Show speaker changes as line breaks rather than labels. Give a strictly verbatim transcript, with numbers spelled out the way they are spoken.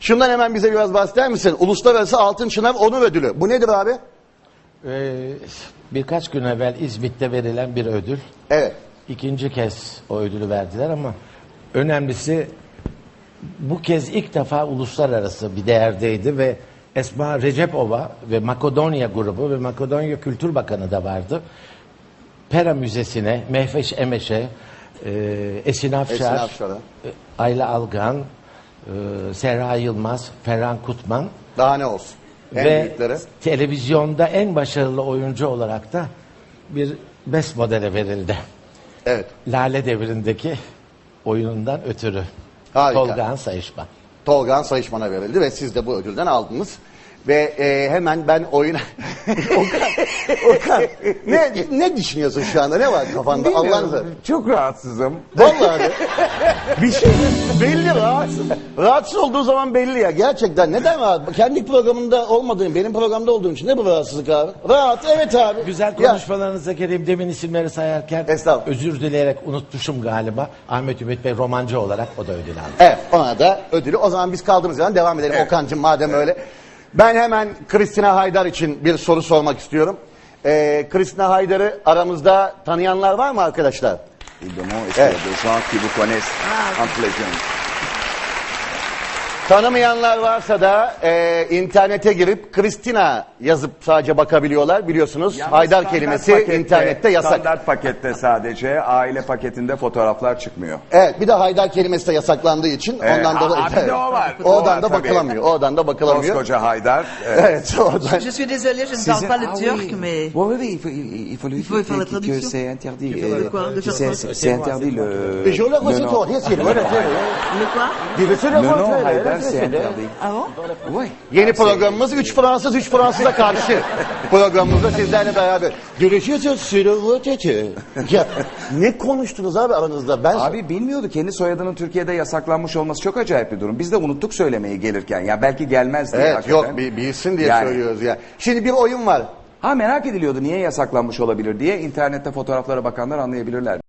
Şundan hemen bize biraz bahseder misin? Uluslararası Altın Çınav Onur Ödülü. Bu nedir abi?
Ee, birkaç gün evvel İzmit'te verilen bir ödül.
Evet.
İkinci kez o ödülü verdiler ama önemlisi bu kez ilk defa uluslararası bir değerdeydi ve Esma Recepova ve Makedonya grubu ve Makedonya Kültür Bakanı da vardı. Pera Müzesi'ne, Mehveş Emeş'e, e, Esin Afşar,
Esin Afşar'a.
e, Ayla Algan, e, Serra Yılmaz, Ferhan Kutman
Daha ne olsun? En
ve
büyükleri.
televizyonda en başarılı oyuncu olarak da bir best modele verildi.
Evet.
Lale Devri'ndeki oyunundan ötürü.
Harika.
Tolgahan Sayışman.
Tolgahan Sayışman'a verildi ve siz de bu ödülden aldınız. Ve e, hemen ben oyuna... Okan, Okan ne, ne düşünüyorsun şu anda? Ne var kafanda? Allah'ını
Çok rahatsızım.
Vallahi de. Bir şey belli rahatsız. Rahatsız olduğu zaman belli ya. Gerçekten neden rahat? Kendi programında olmadığım, benim programda olduğum için ne bu rahatsızlık abi? Rahat, evet abi.
Güzel
Ya,
konuşmalarınıza geleyim. Demin isimleri sayarken
Estağfurullah.
özür dileyerek unutmuşum galiba. Ahmet Ümit Bey romancı olarak o da ödül aldı.
Evet, ona da ödülü. O zaman biz kaldığımız yerden devam edelim.
Evet.
Okan'cığım madem öyle. Ben hemen Christina Haydar için bir soru sormak istiyorum. Ee, Christina Haydar'ı aramızda tanıyanlar var mı arkadaşlar?
Évidemment, est-ce
Evet.
qu'il y a des gens qui vous connaissent entre les jeunes?
Tanımayanlar varsa da e, internete girip Christina yazıp sadece bakabiliyorlar. Biliyorsunuz
Yalnız
Haydar
standart
kelimesi
pakette-
internette yasak.
Standart pakette sadece, aile paketinde fotoğraflar çıkmıyor.
Evet, bir de Haydar kelimesi de yasaklandığı için
Evet,
ondan da
aa, bir de o var. O
Oradan
var
da
tabii.
bakılamıyor. Oradan da bakılamıyor.
Koskoca Haydar. Evet.
Evet, oradan.
Je suis désolée, je ne
Sizin-
parle pas le
Ah
turc,
oui.
mais...
Oui, oui, oui, il faut, il, il faut lui
Il faut faire la
que- que
traduction.
c'est interdit.
Il faut
euh,
de quoi, de
que
faire
c'est-
quoi
c'est c'est interdit le...
Je le
le
ressens
nom.
toi, yes, yes, öyle söyle.
Le quoi
Birisi de
Le nom
söyle,
Haydar,
öyle
c'est
söyle.
interdit.
Ah bon
Oui.
Yeni programımız üç Fransız üç Fransız'a karşı programımızda sizlerle beraber. Görüşüyoruz sürüvöteci. Ya ne konuştunuz abi aranızda? Ben
Abi bilmiyordu. Kendi soyadının Türkiye'de yasaklanmış olması çok acayip bir durum. Biz de unuttuk söylemeyi gelirken. Ya belki gelmez diye
Evet
hakikaten.
yok bir bilsin diye
Yani.
söylüyoruz ya. Şimdi bir oyun var.
Ha merak ediliyordu niye yasaklanmış olabilir diye. İnternette fotoğraflara bakanlar anlayabilirler.